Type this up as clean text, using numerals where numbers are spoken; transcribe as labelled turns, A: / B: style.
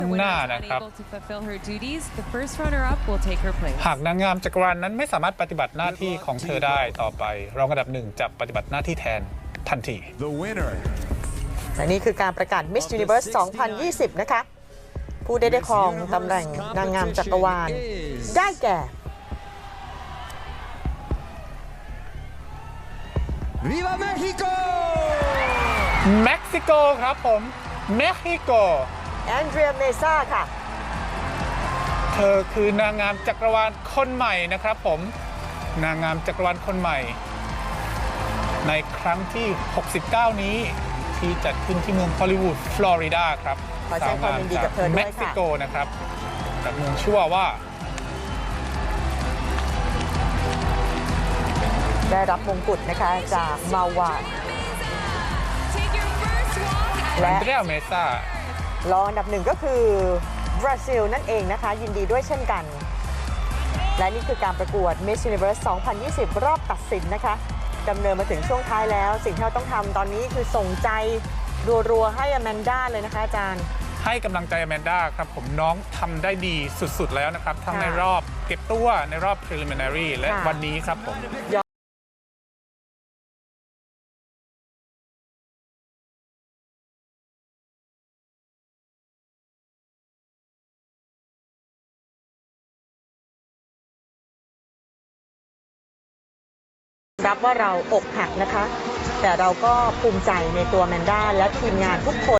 A: หน้านะครับหากนางงามจักรวาลนั้นไม่สามารถปฏิบัติหน้าที่ของเธอได้ต่อไปรองอันดับหนึ่งจะปฏิบัติหน้าที่แทนทันที
B: และนี่คือการประกาศ Miss Universe 2020 นะคะผู้ได้ครองตำแหน่งนางงามจักรวาลได้แก่
C: Viva Mexico
A: เม็กซิโกครับผมเม็กซิโก
B: แอนเดรียเมซ่าค่ะ
A: เธอคือนางงามจักรวาลคนใหม่นะครับผมนางงามจักรวาลคนใหม่ในครั้งที่ 69 นี้ที่จัดขึ้นที่เมืองฮอลลีวูดฟลอริดาครับ
B: ขอแสดงความยินดีกับเธอด้วยค่ะ
A: เม็กซิโกนะครับจากเมืองชื่อว่า
B: ได้รับมงกุฎนะคะจากมาวาด
A: และ
B: และ
A: อันเดรียเมซ่าร
B: องอันดับหนึ่งก็คือบราซิลนั่นเองนะคะยินดีด้วยเช่นกันและนี่คือการประกวด Miss Universe 2020 รอบตัดสินนะคะดำเนินมาถึงช่วงท้ายแล้วสิ่งที่เราต้องทำตอนนี้คือส่งใจรัวๆให้อแมนด้าเลยนะคะอาจารย์
A: ให้กำลังใจอแมนด้าครับผมน้องทำได้ดีสุดๆแล้วนะครับทั้งในรอบเก็บตัวในรอบ preliminary และวันนี้ครับผม
B: รับว่าเราอกหักนะคะแต่เราก็ภูมิใจในตัวแมนด้าและทีมงานทุกคน